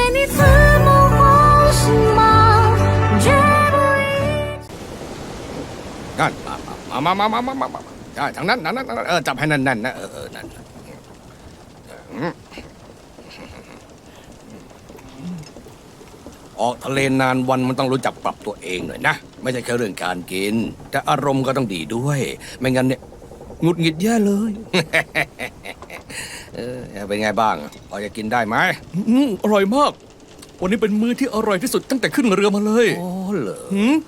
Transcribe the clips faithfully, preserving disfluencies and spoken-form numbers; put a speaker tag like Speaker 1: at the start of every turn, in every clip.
Speaker 1: 你自梦梦醒吗？绝不一。
Speaker 2: นั่นมามามามามามาใช่ทางนั้นนั้นนั้นเออจับให้นั่นนั่นนะเออเออนั่นออกทะเลนานวันมันต้องรู้จักปรับตัวเองหน่อยนะไม่ใช่แค่เรื่องการกินแต่อารมณ์ก็ต้องดีด้วย ไม่งั้นเนี่ยหงุดหงิดแย่เลย เออเป็นไงบ้างพอจะกินได้ไหม
Speaker 3: อืมอร่อยมาก วันนี้เป็นมื้อที่อร่อยที่สุดตั้งแต่ขึ้นเรือมาเลย
Speaker 2: โอ้เหรอ
Speaker 3: หืม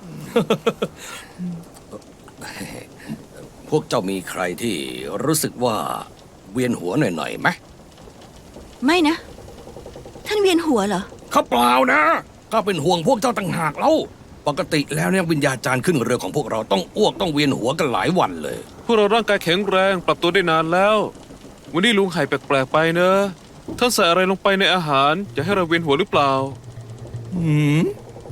Speaker 2: พวกเจ้ามีใครที่รู้สึกว่าเวียนหัวหน่อยๆไหม
Speaker 4: ไม่นะ ท่านเวียนหัวเหรอ
Speaker 2: ข้าเปล่านะก็เป็นห่วงพวกเจ้าต่างหากเล่าปกติแล้วเนี่ยวิญญาจารย์ขึ้นเรือของพวกเราต้องอ้วกต้องเวียนหัวกันหลายวันเลย
Speaker 5: พวกเราร่างกายแข็งแรงปรับตัวได้นานแล้ว วันนี้ลุงไห่แปลกๆไปเนอะท่านใส่อะไรลงไปในอาหารจะให้เราเวียนหัวหรือเปล่า
Speaker 3: หืม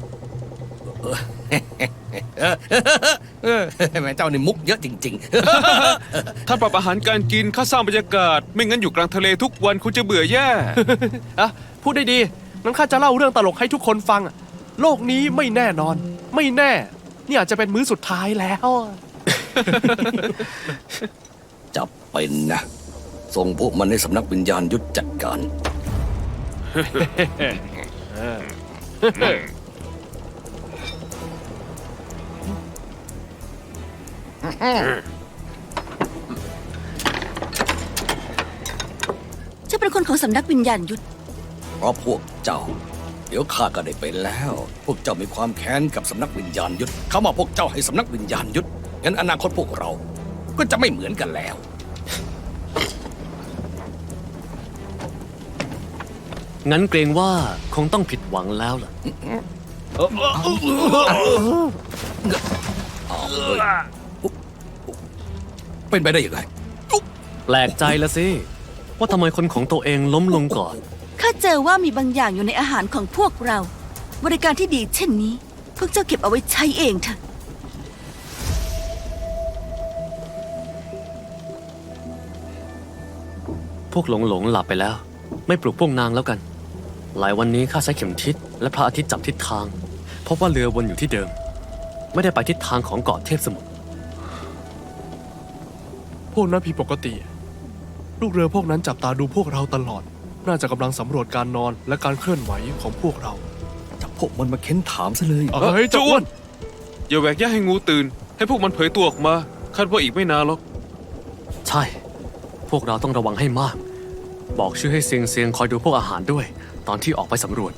Speaker 2: เออแม่เจ้านี่มุกเยอะจริง
Speaker 5: ท่านปรับอาหารการกินข้าสร้างบรรยากาศ ไม่งั้นอยู่กลางทะเลทุกวันคุณจะเบื่อแย่
Speaker 3: อ่ะพูดได้ดีงั้นข้าจะเล่าเรื่องตลกให้ทุกคนฟังอะโลกนี้ไม่แน่นอน ไม่แน่ นี่อาจจะเป็นมื้อสุดท้ายแล้ว
Speaker 2: ๆ จับเป็นนะส่งพวกมันในสำนักวิญญาณยุทธจัดการ
Speaker 4: จะเป็นคนของสำนักวิญญาณยุทธ
Speaker 2: เพราะพวกเจ้า เดี๋ยวข้าก็ได้เป็นแล้ว พวกเจ้ามีความแค้นกับสำนักวิญญาณยุทธเขามาพวกเจ้าให้สำนักวิญญาณยุทธงั้นอนาคตพวกเรา ก็จะไม่เหมือนกันแล้ว
Speaker 6: งั้นเกรงว่าคงต้องผิดหวังแล้วล่ะ
Speaker 2: เป็นไปได้ยังไง
Speaker 6: แปลกใจละสิ ว่าทำไมคนของตัวเองล้มลงก่อน
Speaker 4: ข้าเจอว่ามีบางอย่างอยู่ในอาหารของพวกเรา บริการที่ดีเช่นนี้ พวกเจ้าเก็บเอาไว้ใช้เองเถอะ
Speaker 6: พวกหลงหลงหลับไปแล้ว ไม่ปลุกพวกนางแล้วกัน หลายวันนี้ข้าใช้เข็มทิศและพระอาทิตย์จับทิศทาง พบว่าเรือวนอยู่ที่เดิม ไม่ได้ไปทิศทางของเกาะเทพสมุทร
Speaker 3: พวกนั้นผิดปกติ ลูกเรือพวกนั้นจับตาดูพวกเราตลอด น่าจะกำลังสำรวจการนอนและการเคลื่อนไหวของพวกเรา
Speaker 2: จับพวกมันมาเค้นถามซะเลย
Speaker 3: เฮ้ยเจ้าอ้วน
Speaker 5: อย่าแหวกแยกให้งูตื่น ให้พวกมันเผยตัวออกมาคาดว่าอีกไม่นานหรอก
Speaker 6: ใช่ พวกเราต้องระวังให้มาก บอกชื่อให้เซียงเซียงคอยดูพวกอาหารด้วย ตอนที่ออกไปสำรวจ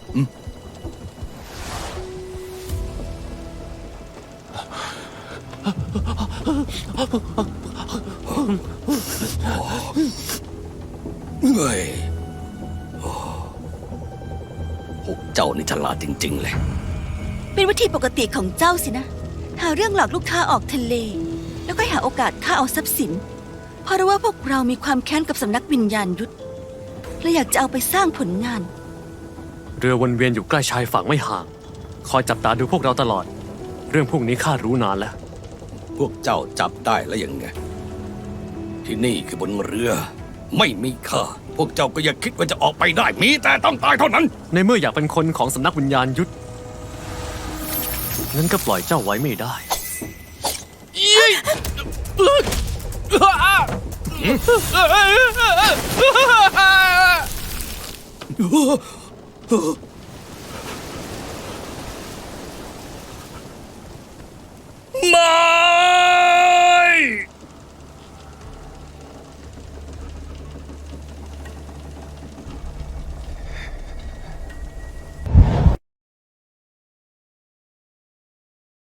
Speaker 2: เฮ้ยโอ้พวกเจ้านี่ฉลาดจริงๆเลย
Speaker 4: เป็นวิธีปกติของเจ้าสินะ หาเรื่องหลอกลูกค้าออกทะเล แล้วก็หาโอกาสฆ่าเอาทรัพย์สิน เพราะรู้ว่าพวกเรามีความแค้นกับสำนักวิญญาณยุทธและอยากจะเอาไปสร้างผลงาน
Speaker 6: เรือวนเวียนอยู่ใกล้ชายฝั่งไม่ห่าง คอยจับตาดูพวกเราตลอด เรื่องพวกนี้ข้ารู้นานแล้ว
Speaker 2: พวกเจ้าจับได้แล้วยังไง ที่นี่คือบนเรือ ไม่มีค่าพวกเจ้าก็อย่าคิดว่าจะออกไปได้ มีแต่ต้องตายเท่านั้น
Speaker 6: ในเมื่ออยากเป็นคนของสำนักวิญญาณยุทธงั้นก็ปล่อยเจ้าไว้ไม่ได้
Speaker 2: พ